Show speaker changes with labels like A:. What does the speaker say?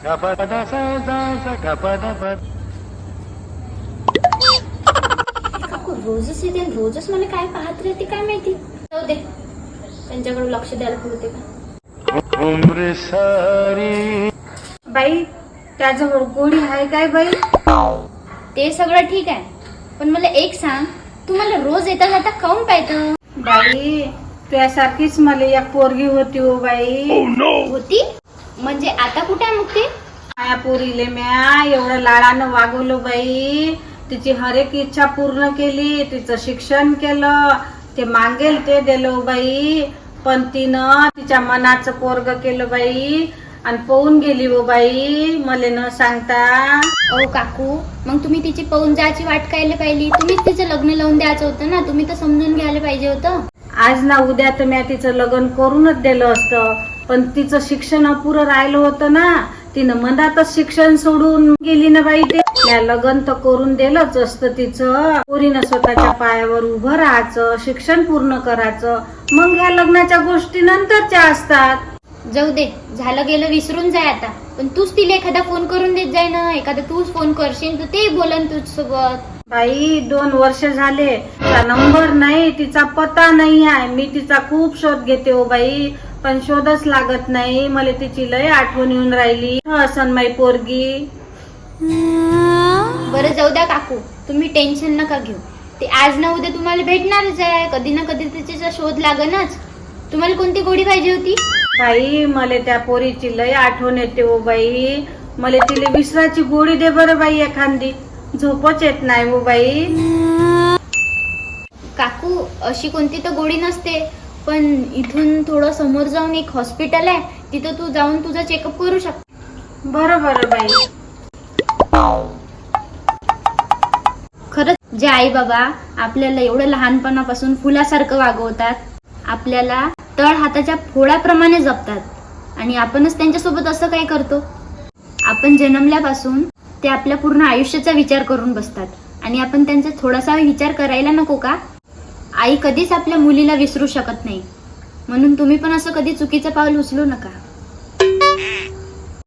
A: काकू रोजच येते आणि रोजच मला काय पाहत राहते काय माहिती. जाऊ दे, त्यांच्याकडे लक्ष द्यायला पुरते का.
B: बाई त्याजवळ गोडी आहे काय बाई?
A: ते सगळं ठीक आहे, पण मला एक सांग, तू मला रोज येता जाता काऊन पाहतं?
B: बाई त्यासारखीच मला एक पोरगी होती हो बाई.
A: होती म्हणजे आता कुठे आहे मग ती?
B: माया पोरीले म्या एवढं लाडानं वागवलं बाई. तिची हर एक इच्छा पूर्ण केली, तिचं शिक्षण केलं, ते मागेल ते दिलं बाई. पण तिनं तिच्या मनाचं पोरग केलं बाई आणि पळून गेली हो बाई मले न सांगता.
A: ओ काकू, मग तुम्ही तिची पळून जायची वाट कायला पाहिली? तुम्हीच तिचं लग्न लावून द्यायचं होतं ना, तुम्ही तर समजून घ्यायला पाहिजे होतं.
B: आज ना उद्या तर मी तिचं लग्न करूनच दिलं असतं, पण तिचं शिक्षण अपुरं राहिलं होतं ना. तिनं मनातच शिक्षण सोडून गेली ना बाई. ते लग्न तर करून दिलंच असतं तिचं. पोरीनं स्वतःच्या पायावर उभं राहायचं, शिक्षण पूर्ण करायचं, मग ह्या लग्नाच्या गोष्टी नंतरच्या असतात.
A: जाऊ दे, झालं गेलं विसरून जाय आता. पण तूच तिला एखादा फोन करून देत जाय ना. एखादा तूच फोन करशील तर ते बोलन तुझ्यासोबत.
B: बाई 2 वर्ष झाले, तिचा नंबर नाही, तिचा पत्ता नाही आहे. मी तिचा खूप शोध घेते हो बाई, पण शोधच लागत नाही. मला तिची लय आठवण येऊन राहिली. असन माई पोरगी.
A: बरं जाऊ द्या काकू, तुम्ही टेन्शन नका घेऊ. ते आज ना उद्या तुम्हाला भेटणारच आहे. कधी ना कधी तिचा शोध लागणच. तुम्हाला कोणती गोडी पाहिजे होती?
B: बाई मला त्या पोरीची लय आठवण येते हो बाई. मला तिला विसराची गोडी दे बरं बाई एखादी. झोपच येत नाही हो बाई.
A: काकू अशी कोणती तर गोडी नसते, पण इथून थोडं समोर जाऊन एक हॉस्पिटल आहे, तिथं तू जाऊन तुझा चेकअप करू शकते.
B: बरं बरं बाई.
A: खरंच जे आई बाबा आपल्याला एवढं लहानपणापासून फुलासारखं वागवतात, आपल्याला तळ हाताच्या फोडाप्रमाणे जपतात, आणि आपणच त्यांच्यासोबत असं काय करतो? आपण जन्मल्यापासून ते आपल्या पूर्ण आयुष्याचा विचार करून बसतात, आणि आपण त्यांचा थोडासा विचार करायला नको का? आई कधीच आपल्या मुलीला विसरू शकत नाही, म्हणून तुम्ही पण असं कधी चुकीचं पाऊल उचलू नका.